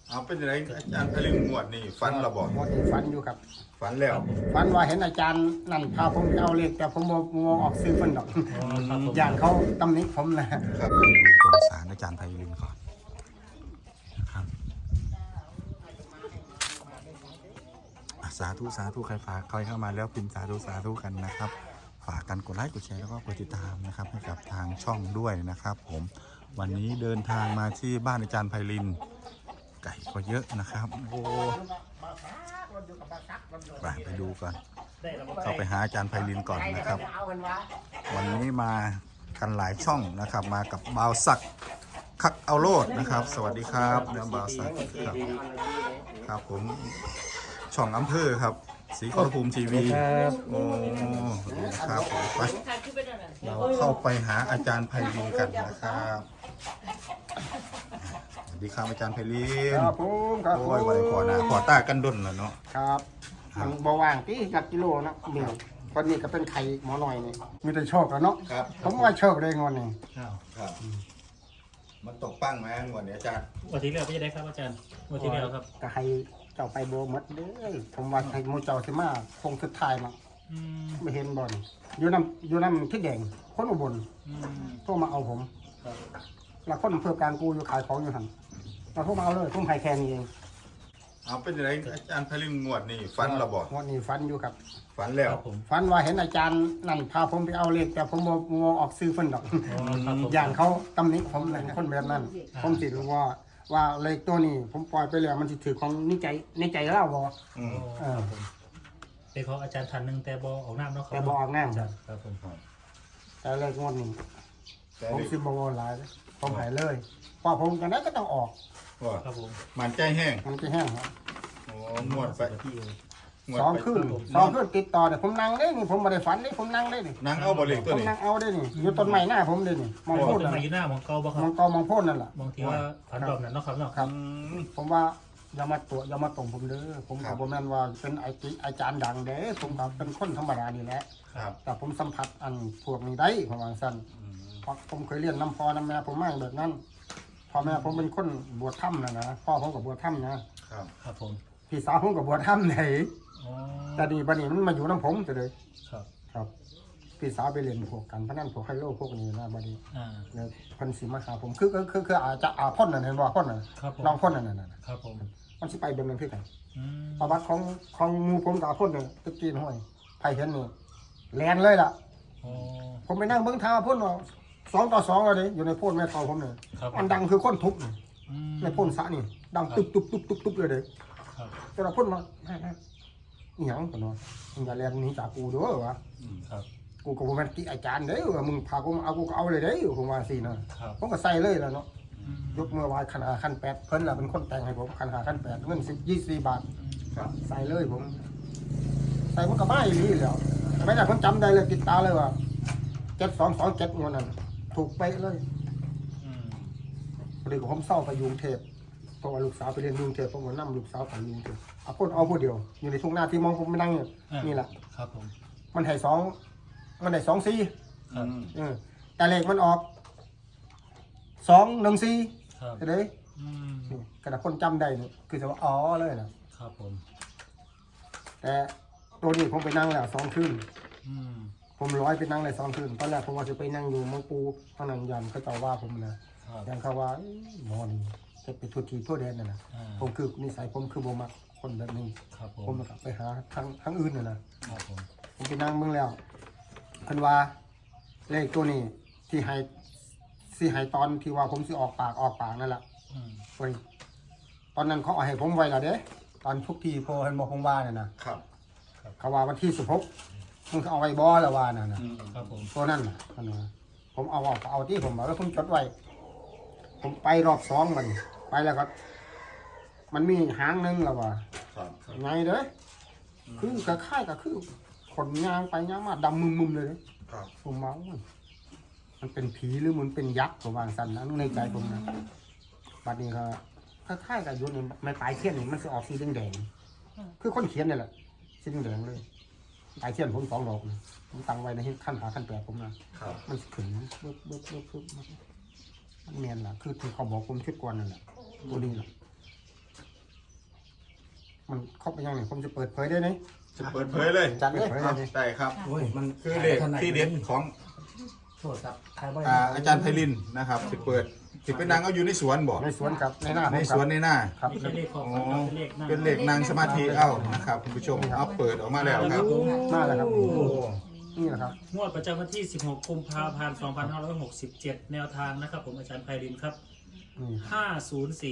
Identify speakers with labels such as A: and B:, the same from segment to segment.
A: เอาเป็นไรอาจารย์พลิงงวดนี่ฝันเราบอก
B: งวดนี้ฝันอยู่ครับ
A: ฝันแล้ว
B: ฝันว่าเห็นอาจารย์นั่นพาผมไปเอาเลขแต่ผมบ่ออกซื้อเพิ่นดอกอย่างเขาตำหนิผมนะครับ
A: ไปดูตรงศาลอาจารย์ไพลินก่อนนะครับสาธุใครฝากใครเข้ามาแล้วพิมพ์สาธุกันนะครับฝากกันกดไลค์กดแชร์แล้วก็กดติดตามนะครับให้กับทางช่องด้วยนะครับผมวันนี้เดินทางมาที่บ้านอาจารย์ไพลินไก่ก็เยอะนะครับโอ้ไปดูก่อนเข้าไปหาอาจารย์ไพลินก่อนนะครับวันนี้มากันหลายช่องนะครับมากับบ่าวศักดิ์คักเอาโลดนะครับสวัสดีครับนะบ่าวศักดิ์ครับผมช่องอำเภอครับศรีขอรภูมิทีวีโอ้ครับผมไปเราเข้าไปหาอาจารย์ไพลินกันนะครับสวัสดีครับอาจารย์ไพลิน
B: ครับผมครับ
A: โอ้ยวันก่อนนะขอตากันดนแล้วเนาะ
B: ครับมันบ่ว่างที่กับกิโลนะนี่คนนี้ก็เป็นไข่หมอหน่อยนี่มีแต่โชคแล้วเนาะ
A: ครับ
B: ผมว่าโชคได้งอนนี่
A: ครับมันตกปั้งไหมงวดนี้อาจารย์
C: วันที่แล้วพี่จะได้ครับอาจารย์วันที่แล้วครับ
B: ก็ให้เจ้าไปโบหมดเด้อผมว่าให้หมูเจ้าสิมาคงสุดท้ายมาไม่เห็นบ่อนอยู่น้ำที่แดงคนอุบลโทรมาเอาผมแล้วคนอำเภอการกูอยู่ขายของอยู่หันเราโทรมาเอาเลยผมให้แค่นี้เอง
A: เอาเป็นไรอาจารย์ไพลินงวดนี่ฝันเราบอก
B: งวดนี้ฝันอยู่ครับ
A: ฝันแล้ว
B: ฝันว่าเห็นอาจารย์นั่นพาผมไปเอาเลขแต่ผมบ่ออกซื้อเพิ่นดอก
C: ครับผม
B: อย่างเขาตำหนิผมเลยคนแบบนั้น ผมสิรู้ว่าเลขตัวนี้ผมปล่อยไปแล้วมันสิถือของในใจเราบ่
A: อืม
C: เป็นของอาจารย์ทันหนึ่งแต่บอออกน้ำเนาะ
B: แต่บ่ออกน้ำ
C: อาจารย์ครับผม
B: แต่เลขงวดนี้
A: แต่
B: ผม
A: นี่
B: สิบ่หลายเลยผมให้เลยเพราะผมจังได๋ก็ต้องออก
A: ว่า
C: ครับผม
A: มันใจแห้ง
B: มันจะแห้งครับ
A: โอ้งวดไปงวด
B: สอง
A: ไป
B: คืนติดต่อเนี่ยผมนั่งได้นี่ผมบ่ได้ฝันนี่ผมนั่งได้นี่
A: นั่งเอาบอลเล็ก
B: ผ
A: ตัว
B: ม
A: นี้
B: นั่งเอาได้นี่อยู่ต้นไม้หน้าผมได้นี่มองโพด
C: ต้น
B: นั่น
C: ไม้
B: น่ะ
C: ยืนหน้ามองเกาบ่ครั
B: ม
C: บ
B: องกอมองโพดนั่นล่ะ
C: มองที่ว่าผันดอกนั่นเนาะครับเนาะ
B: ครับ
A: อืม
B: ผมว่าอย่ามาตรงผมเด้อผมก็บ่แม่นว่าเป็นอาจารย์ดังเด้อผมก็เป็นคนธรรมดานี่แหละ
A: ครับ
B: แต่ผมสัมผัสอันพวกนี้ได้ผมว่าซั่นเพราะผมเคยเรียนน้ำพ่อน้ำแม่ผมมาแบบนั้นพ่อแม่ผมเป็นคนบวชถ้ำนะพ่อผมก็บวชถ้ำนะครับ
C: ครับผม
B: พี่สาวผมก็บวชถ้ำไหน
C: อ๋อ
B: แต่นี่บัดนี้มันมาอยู่น้ำผมจะเลย
C: ครับ
B: ครับพี่สาวไปเรียนพวกกันพนันพวกไฮโลพวกนี้นะบัดนี้
C: อ่า
B: เนี่ยเพิ่นสิมาหาผมคืออาจจะพ่นนั่นเห็นบ่พ่นนั่น
C: ครับผม
B: น้องพ่นนั่นน่ะ
C: ครับผม
B: มันสิไปเบิ่งนั่นคือกัน
C: อืม
B: ประวัติของหมู่ผมกับพ่นนี่ตะกี้ห้วยไผเห็นนี่แลนเลยล่ะ
C: อ๋อ
B: ผมไปนั่งเบิ่งทางพ่นว่า2-2แล้วเด้อยู่ในพ่นแม่เฒ่าผมนี่
C: ครับ
B: มันดังคือคนทุบนี่
C: อืม
B: ในพ่นสระนี่ดังตุ๊บเลยเด้
C: ครับ
B: แต่ละพ่นมาอีหยังปะเนาะมึงอย่าแลนหนีจากกูเด้อวะ
C: ครับ
B: กูก็บ่แม่นติอาจารย์เด้อว่ามึงพากูมาเอากูก็เอาเลยเด้อผมว่าซี่นะครับ ผมก็ใส่เลยแล้วเนาะ
C: อืม
B: ยกมือไหว้ขันหาขันแปดเพิ่นล่ะเป็นคนแต่งให้ผมขันหาขันแปดเงิน24 บาท
A: ครับ
B: ใส่เลยผม ใส่มันก็บ้าอย่างนี้แล้วไม่ได้ผมจำได้เลยติดตาเลยว่า7227งวดนั้นถูกเป๊ะเลย
C: อืม
B: พอดีผมเศร้าไปกรุงเทพเพราะว่าลูกสาวไปเรียนกรุงเทพผมก็นำลูกสาวไปกรุงเทพเอาคนเอาผู้เดียว อยู่ในทุ่งนาที่มองผมไม่นั่งเนี่ยนี่แหละ
C: ครับผม
B: มันให้2 4
C: ครับ
B: แต่เลขมันออก214
C: ครับ
B: เห็นไหม
C: อืม
B: นี่กระดาษคนจำได้นี่คือจะว่าอ๋อเลยนะครับ
C: ผม
B: แต่ตัวนี้ผมไปนั่งแล้ว2 คืน
C: อืม
B: ผมร้อยไปนั่งเลย2 คืนตอนแรกผมว่าจะไปนั่งอยู่มังปูข้างนั้นยันเขาจะว่าผมนะครับ ยันเขาว่าหมอนี่จะไปทุทีทั่วแดนน่ะนะ
C: อ่า
B: ผมคือนิสัยผมคือบ่มักคนแบบนี้
C: ครับผ
B: ผม
C: ม
B: ก็ไปหาทางอื่นนะครับ
C: ผม
B: ผมไปนั่งเบิ่งแล้วเพิ่นว่าเลขตัวนี้ที่ให้ตอนที่ว่าผมสิออกปากนั่นแหละ
C: อืม
B: เฮ้ยตอนนั้นเขาเอาให้ผมไว้แล้วเด้ตอนทุกทีพอเห็นบอกผมว่าเนี่ยนะครับ เขาว่าวันที่16มึงเอาไว้บ่แล้วว่าน่ะนะ
C: ครับผม
B: ตัวนั้นน่ะอันนั้นนะผมเอาที่ผมบอกแล้วผมจดไว้ ผมไปรอบ2มันไปแล้วก็มันมีหางหนึงแล้วว่า
A: ครับ
B: ไงเด้อคือกระค่ายก็คือขนยางไปยางมาดำมึมๆเลยเด้
A: ครับ
B: ผมเมามันเป็นผีหรือมันเป็นยักษ์ผมวางสันนะในใจผมนะบัดนี้ก็คล้ายๆกับยุนี่ไม่ปลายเทียนนี่มันจะออกสีแดงๆคือคนเขียนนี่แหละสีแดงๆเลยปลายเทียนผม2 ดอกนะผมตั้งไว้ในขั้นหาขั้นแปดผมนะครับ มันขึ้นเบิบมันเนียนล่ะคือที่เขาบอกผมชุดก่อนนั่นแหละตัวนี้แหละมันครบไปยังไงผมจะเปิดเผยได้ไหม
A: จะเปิดเผยเลย
B: จัดเลย
A: ได้ครับ
D: โอ้ยมัน
A: คือเลขที่เด็ดของ
D: โทษครับใครบ่
A: อาจารย์ไพลินนะครับสิเปิดสิเป็นนางเอาอยู่ในสวนบ่
B: ในสวนกับในหน้า
A: ในสวนในหน้า
B: ครับ
C: ไม่ใช่เลขของ
A: อ๋อ
C: มันเป็นเลขหน้า
A: เป็นเลขนางสมาธิเอ้านะครับคุณผู้ชมเอาเปิดออกมาแล้วครับ
B: หน้าแล้วครับ
A: โอ้
B: นี่แหละครับ
C: งวดประจำวันที่ 16 กุมภาพันธ์ 2567 แนวทางนะครับผมอาจารย์ไพรินครับ
B: นี่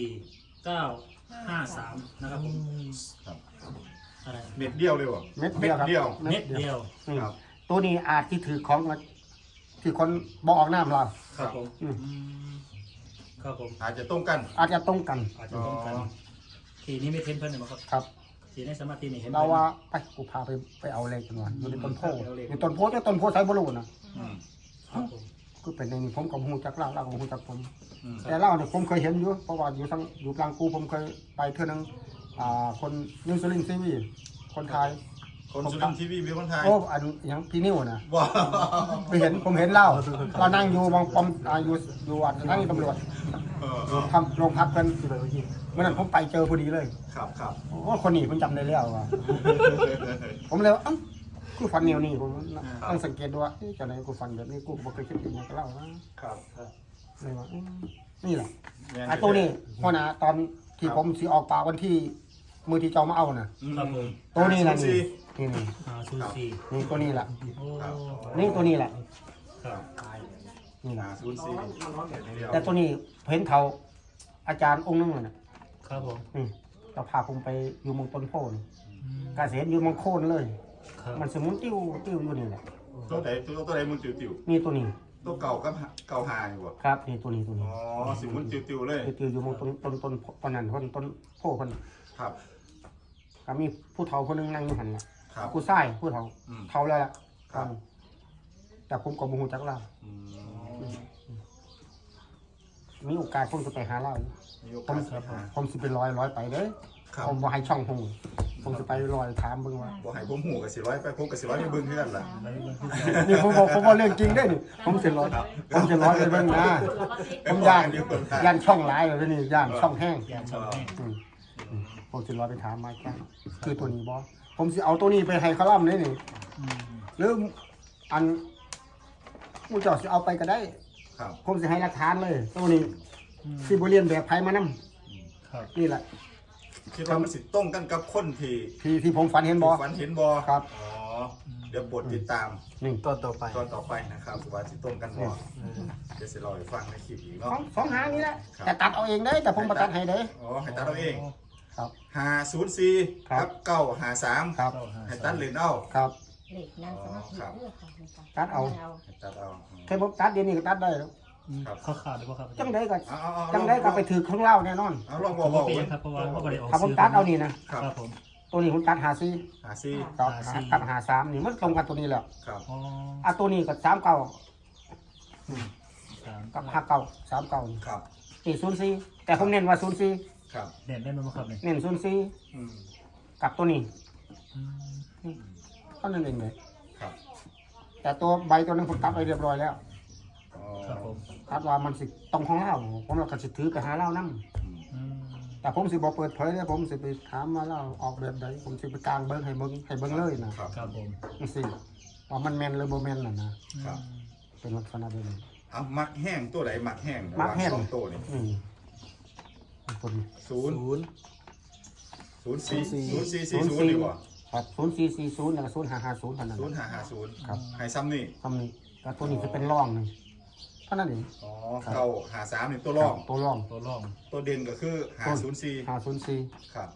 C: 504-953 นะครับผม
A: ครับ
C: อะไร
A: เม็ดเดียวเลยบ่
B: เม็ดเดียวครับ
A: เดียว
C: เม็ดเดียว
B: นี่
A: ครับ
B: ตัวนี้อาจที่ถือของที่คนบอกออกหน้าเรา
C: ครับผม
B: อืม
C: อืมครับผม
A: อาจจะตรงกัน
B: อาจจะตรงกัน
C: อาจจะต้องกันทีนี้ไม่เทนเพิ่นเนี่ยมั้งครับ
B: ครับ
C: ทีในสมาธินี่เห็น
B: เรา
C: พิ่น
B: ว่าไปกูพาไปเอาเลขกันหน่อยอยู่ในต้นโพ
C: ไปเอาเลข
B: ในต้นโพจะต้นโพไซบรูนะ
A: อืม
C: ครับผม
B: คือเป็นในนี้ผมกับหูจักเล่าเล่ากับหูจักผม
A: อืม
B: แต่เล่าเนี่ยผมเคยเห็นอยู่เพราะว่าอยู่ทั้งอยู่กลางกูผมเคยไปเท่านึงคนนิวซีแลนด์ซีวีคนไทย
A: คนสุรินทร์ทีวีมีคนไทย
B: โอ้อันอย่างพี่นิวนะ
A: ว้าว
B: ไปเห็นผมเห็นเล่าเรานั่งอยู่มองปอมอยู่อันทั้งตำรวจ ทำโรงพักกันเมื่อนั้นผมไปเจอพอดีเลย
A: ครับครับ
B: โอ้คนนี้ผมจำได้แล้วว่ะผมเลยว่าเอ้ากูฟันเหนียวนี่ผมต้องสังเกตดูว่าจะไหนกูฟันแบบนี้กูบ่เคยคิดอย่างนี้ก็เล่านะครับ เลยว่านี่แหละไอ้ตัวนี้พ่อนะตอนที่ผมสิออกปากวันที่มือที่เจ้ามาเอาน่ะ
C: ครับผม
B: ตัวนี้แหละ
A: ศู
B: นี่
A: ย์
B: นี่
C: 504
B: นี่ตัวนี้แหละ
C: โอ้
B: นี่ตัวนี้แหละ
C: ครับ
B: นี่แหละ
A: 04
B: แต่ตัวนี้เห็นเขาอาจารย์องค์นึงเลยนะครับ
C: ผม
B: นี่เราพาผมไปอยู่เมองต้นโพน
C: อืม
B: กาเสียนอยู่เมองโคนเลย
C: ครับ
B: มันสมุนติ้วอยู่นี่แหละ
A: ตัวไหนมึงติว
B: นี่ตัวนี้
A: ตัวเก่าก็เก่าหาอยู่บ่
B: ครับนี่ตัวนี้
A: อ๋อสิมุนติวเลย
B: ติวอยู่เมองต้นนั้นต้นโพคน
A: ครับ
B: ก็มีผู้เฒ่าคนหนึงนั่งอยู่หันน่ะ
A: ครับ
B: ผู้ชายผู้เฒ่า
A: อืม
B: เฒ่าแล้วล่ะ
A: ครับ
B: แต่ผมก็บ่ฮู้จักเล่า
A: อืม
B: มีโอกาสผมจะไปหาเล่า
A: มีโอ
B: ผ
A: กาม สครับ
B: ผมสิไปลอยไปเด้อ
A: ครับ
B: ผมบ่ให้ช่องฮู้ผมจะไปลอยถามเบิ่งว่า
A: บ่ให้ผมหูกับ400ไปผมกับ400ไปเบิ่งคือกันล่ะ
B: นี่ผมบอกเรื่องจริงได้อนี่ผมจะร้อยไปเบิ่งนะผมย่านช่องหลายเลยนี่ย่านช่องแห้ง
C: อย่างช่องแห้ง
B: ผมจะร้อยไปถามมาจ้าคือตัวนี้บอผมสิเอาตัวนี้ไปให้เขาล่ำเลยนี่
C: อืม
B: หรืออันผู้เจ้าสิเอาไปก็ได้
A: ครับ
B: ผมสิให้หลักฐานเลย ตัวนี้
C: อืม
B: สิบ่เรียนแบบไผมานำ
C: ครับ
B: นี่แหละ
A: คิดว่ามันสิตรงกันกับคนที่
B: ที่ผมฝันเห็นบอ
A: ฝันเห็นบ่
B: ครับ
A: อ๋อเดี๋ยวบทติดตาม
B: นี่
D: ตัวต่อไป
A: ตอนต่อไปนะครับว่าสิตรงกันบ่เดี๋ยวสิรอให้ฟังในคลิปอีกเนาะ
B: สองหางนี่แหละ
A: ครับ
B: แต่ตัดเอาเองเด้อแต่ผมประตัดให้เด้อ
A: อ๋อให้ตัดเอาเอง
B: ครับ
A: 504
B: ครั
A: กับ 953
B: ครับ
A: ให้ตัดเหรียญเอา
B: ครับ
E: เหล็กนางสมาธิเลือกค่ะ
B: ตัดเอา
A: ให้ตัดเอา
B: แค่ผมตัดเดี๋ยวนี้ก็ตัดได้แล้ว
A: ครับ
C: เขาขาดหรือเปล่าครับ
B: จังได้ก็
A: เอา
B: จังได้ก็ไปถือข้างเล่าแน่นอน
A: เอาลอง
C: ผ
A: บอก
C: ม
A: บ
C: ก็
A: อก
C: เปลี่ย
A: เว้
C: น
A: ย
C: ครับเพราะว่าเขาไม่ได้ออก
B: ถ้าผม
C: ซื้อ
B: ตัดเอานี่นะ
A: ครับ
C: ครับผม
B: ตัวนี้ผมตัดหาซี
A: 54
B: กับ
C: หาสี่
B: กับหาสามนี่มันตรงกันตัวนี้แหละ
A: ครับ
C: อ๋อ
B: อ่ะตัวนี้กับ39
C: สาม
B: กับ59 39นี่
A: ครับ
B: นี่04แต่ผมเน้นว่า04
A: ครับ
C: เด่นได้ไหมครับเนี่ย
B: เน้น
A: อืม
B: 04กับตัวนี้
C: อืม
B: เท่านั้นเองเลย
A: ครับ
B: แต่ตัวใบตัวนึงผมตัดไปเรียบร้อยแล้ว
A: อ๋อ
C: ครับผม
B: ตัดว่ามันสิตรงของเราผมเราก็สิถือไปหาเรานํ
A: อืม
C: อืม
B: แต่ผมสิบ่เปิดเผยเลยผมสิไปถามมาเราออกแบบใดผมสิไปกลางเบิ่งให้เบิ่งเลยนะครับ
C: ครับผม
B: จังซี่ว่ามันแม่นหรือบ่แม่นน่ะนะครับ เป็นลักษณะแบบนี้
A: เอามักแห้งตัวไหนมักแห้ง
B: มักแห้ง
A: สองตัวนี่
B: นี่ตัวนี้
A: ศูนย์
D: ศูนย์
A: 0440ดีกว่า
B: ครับ0440แล้วก็0550เท่านั้น
A: 0550
B: ครับ
A: ให้ซ้ำนี่
B: ทำนี่แต่ตัวนี้จะเป็นร่องนี่เท่านั้นเอง
A: อ๋อ953นี่ตัวรอง
B: ตัวร่อง
C: ตัวร่อง
A: ตัวเด่นก็คือ504
B: 504
A: ครับ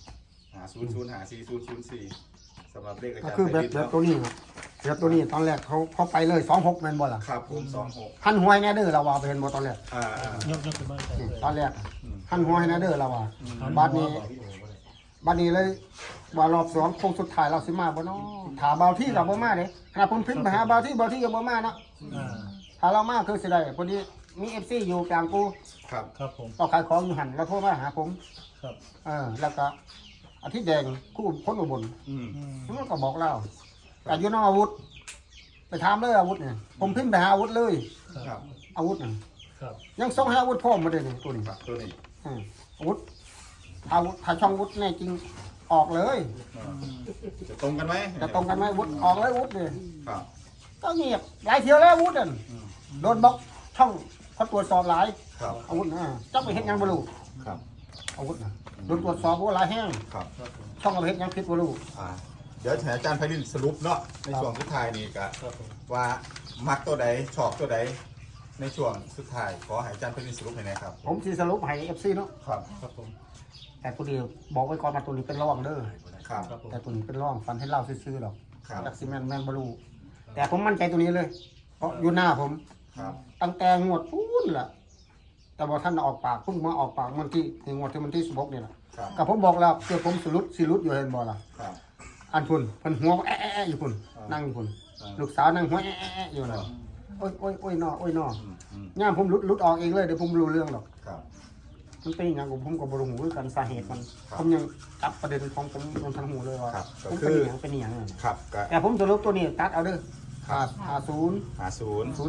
A: 5005004สำหรับเลขอา
B: ก็
A: จารย์
B: คือแบบ
A: ไพริน
B: ตัวนี้ครับแบบตัวนี้ตอนแรกเขาไปเลย26แม่นบ่ล่ะ
A: ครับผม26
B: หันหัวให้แน่เด้อเราว่าไปเห็นบ่ตอนแรก
C: ยกขึ้นมาใส่
B: นี่
C: เลย
B: ตอนแรกหันหัวให้แน่เด้อเราว่า
C: หัน
B: บัดนี้บัดนี้เลยว่ารอบ2โค้งสุดท้ายเราสิมาบ่เนาะถ้าเบาที่เราบ่มาเด้ขณะผมพิมพ์ไปหาเบาที่ยังบ่มาเนาะ
C: อ่า
B: ถ้าเรามาคือสิได้พอดีมี FC อยู่กลางกู
A: ครับ
C: ครับผม
B: ก็ขายของอยู่หันแล้วโทรมาหาผม
C: ครับ
B: แล้วก็อาทิตย์แดงคู่คนอุบล
A: อืม
C: อืม
B: มันก็บอกเล่าแต่อยู่นอกอาวุธ ไปถามเลยอาวุธเนี่ยผมพิมพ์ไปหาอาวุธเลย
A: ครับ
B: อาวุธน่ะ
C: ครับ
B: ยังส่งให้อาวุธพร้อมมาเลยนี่ตัวนี้
A: ครับตัวนี้
B: อาวุธถ้าช่องอาวุธแน่จริงออกเลย
A: จะตรงกันไหม
B: จะตรงกันไหมวุฒิออกเลยวุฒิเลย
A: ครับ
B: ก็เงียบหลายเที่ยวแล้ววุฒินั่นโดนบล็อกช่องเขาตรวจสอบหลาย
A: ครับ
B: อาวุธนะจับไปเฮ็ดหยังบ่รู้
A: ครับ
B: อาวุธนะโดนตรวจสอบว่าหลายแห้ง
A: ครับ
B: ช่องเอาไปเฮ็ดหยังผิดบ่รู้
A: เดี๋ยวให้อาจารย์ไพรินสรุปเนาะในช่วงสุดท้ายนี่ก็
C: ครับผม
A: ว่ามักตัวใดชอบตัวใดในช่วงสุดท้ายขอให้อาจารย์ไพรินสรุปให้หน่อยครับ
B: ผมสิสรุปให้ FC เนาะ
A: ครับ
C: ครับผม
B: แต่ตัวเดียวบอกไว้ก่อนมาตัวนี้เป็นร่องเด้อ
A: ครับ
C: ครับผม
B: แต่ตัวนี้เป็นร่องฟันให้เล่าซื่อๆหรอก
A: ครับ
B: จักสิแม่นบ่รู้แต่ผมมั่นใจตัวนี้เลย เพราะอยู่หน้าผม
A: ครับ
B: ตั้งแต่งวดพูนล่ะแต่บ่ท่านออกปากเพิ่งมาออกปากวันที่งวดที่มันที่16นี่ล่ะ
A: ครับ
B: ก็ผมบอกแล้วเดี๋ยวผมสิรุดอยู่เห็นบ่ล่ะ
A: ครับ
B: อันพุ่นเพิ่นหัวแอะๆอยู่พุ่นนั่งอยู่พุ่นลูกสาวนั่งหัวแอะๆอยู่นั่นโอ้ยน้อ ย่ามผมลุดออกเองเลยเดี๋ยวผมรู้เรื่องหรอก
A: ครับ
B: มันเป็นอย่างผมก็บรู้หูคือกันสาเหตุมัน
A: ครับ
B: ผมยังจับประเด็นของผมยังทันหูเลยว่า
A: ครับก็
B: ผม
A: คือ
B: เป็นอย่าง
A: ครับก็
B: แต่ผมจะลบตัวนี้ตัดเอาเด้อ
A: ครับ
B: 50
A: 50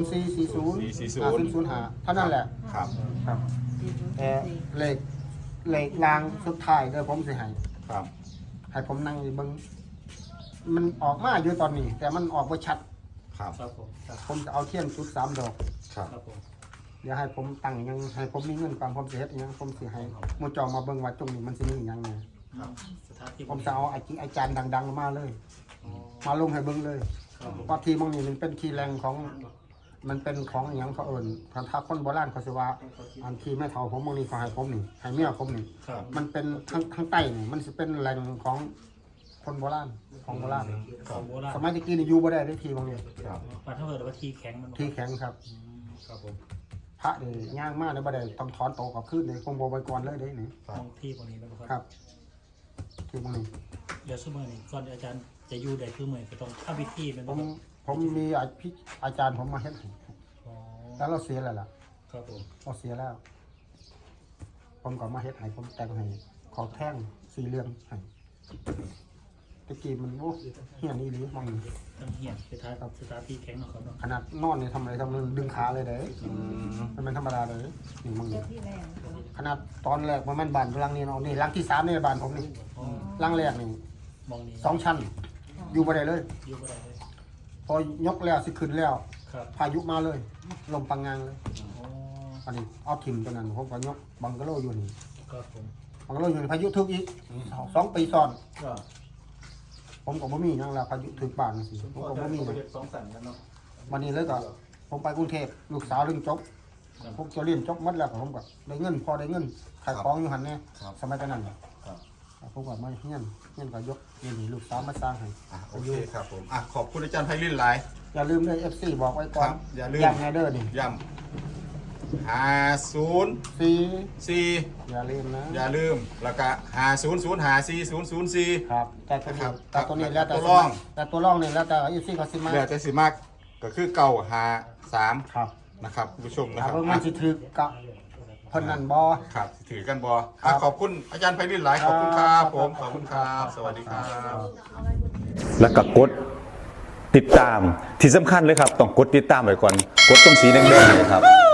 B: 0440 5005เท่านั้นแหละ
A: ครับ
B: ครับแต่เลขรางสุดท้ายเด้อผมสิให้
A: ครับ
B: ให้ผมนั่งเบิ่งมันออกมาอยู่ตอนนี้ แต่มันออกบ่ชัด
A: ครับ
C: ครับผมครับ
B: ผมจะเอาเทียนจุด3 ดอก
A: ครับ
C: ครับผม
B: เดี๋ยวให้ผมตั้งยังให้ผมมีเงินความผมสิเฮ็ดอิหยังผมสิให้หมู่เจอมาเบิ่งว่าตรงนี้มันสิมีอิหยังแหน่
A: ครับ
C: สถานที่
B: ผมจะเอาอาจารย์ดังๆมาเลย มาลงให้เบิ่งเลย
C: ครับผม
B: ว่าที่มองนี่มันเป็นที่แรงของมันเป็นของอหย่างเขาเอิญถ้าคนโบราณเขาสิว่าอันที่แม่เฒ่าผมมองนี่เขาให้ผมนี่ให้เมียผมนี่
C: ครับ
B: มันเป็นทั้งใต้นี่มันสิเป็นแหล่งของคนโบราณของโบราณ
C: ของโบราณ
B: สมัยตะกี้นี่อยู่บ่ได้ได้ทีมองนี่
A: ครับ
C: ปัดเท่าเกิดว่าทีแข็งมัน
B: ที่แข็งครับ
C: ครับผม
B: พระนี่ย่างมากเลยบ่ได้ต้องถอนโตกลับขึ้นเลยคงบ่ไว้ก่อนเลยเด้นี่
C: ของที่พวกนี้นะค
B: ค
C: รั
B: รับ ที่มองนี่
C: เดี๋ยวสมัยนี้ก่อนอาจารย์จะอยู่ใดคือเหมือนก็ต้องเข้าพิธีเป็น
B: ผมมีอาจารย์ผมมาเฮ็ดให้
C: อ๋อ
B: แล้วเราเสียแล้วล่ะ
C: ครับผม
B: เราเสียแล้ว ผมก็มาเฮ็ดให้ผมแต่งให้ขอแท่งสีเหลืองให้ตะกี้มันโอ้เฮียนี่หรือมองนี่
C: ต้องเหี่ยนไปท้ายกับสถานที่แข็งเนาะครับเนาะ
B: ขนาดนอนนี่ทำอะไรทำมันดึงขาเลยเด้มันเป็นธรรมดาเลยนี่มอง
E: เจ้า
B: นี่
E: ที่แรง
B: ขนาดตอนแรกมันบ้านหลังนี้เนาะนี่หลังที่3นี่บ้านผมนี่
C: อ๋อ
B: หลังแรกนี่
C: มองนี้
B: 2 ชั้น อยู่บ่ได้เลย
C: อยู่บ่ได้เลย
B: พอยกแล้วสิขึ้นแล้ว
C: ครับ
B: พายุมาเลย ลมปังงางเลย
C: อ๋อ
B: อันนี้เอาถิ่มตัวนั้นผมก็ยกบังกะโลอยู่นี่
C: ครับผม
B: บังกะโลอยู่นี่พายุทึกอีก2 ปีซ้อน
A: ก็
B: ผมก็บ่มีหยังแล้วพายุถึกบ้านจังซี่ผมก็บ่มีนะ
A: สองสั่นกันเนาะ
B: วันนี้เลยก็ผมไปกรุงเทพลูกสาวเรียนจบผมจะเรียนจบหมดแล้วก็ผมก็ได้เงินพอได้เงินขายของอยู่หั่นแน่สมัยตอนนั้นน่ะ
A: ครับ
B: ผมก็มาเฮียนก็ยกเงินให้ลูกสาวมาสร้างให้
A: โอเคครับผมขอบคุณอาจารย์ไพรินหลาย
B: อย่าลืมเลย FC บอกไว้ก่อน
A: ครับอย่าลืม
B: ย้ำแน่เด้อนี่
A: ย้ำ504
B: 4อย่าลืมนะ
A: อย่าลืมแล้วก็5005404
B: ครับแต่ตัว
A: ครั
B: นี้
A: บ
B: แต่ตัวนี้แล้วแต่
A: ตัวรอง
B: แต่ตัวรองนี่แล้วแต่ FC ก็สิมา
A: เหลือแต่สิมากก็คือเก่า53
B: ครับ
A: นะครับคุณผู้ชมนะ
B: ถ้า
A: ครับ
B: เบิ่งมันสิถึกกับเพิ่นนั่นบ่
A: ครับถือกันบอ
B: ครับ
A: ขอบคุณอาจารย์ไพรินหลายขอบคุณครับผมขอบคุณครับ สวัสดีครับ
F: แล้วก็กดติดตามที่สำคัญเลยครับ ต้องกดติดตามไว้ก่อน กดตรงสีแดงๆเลยครับ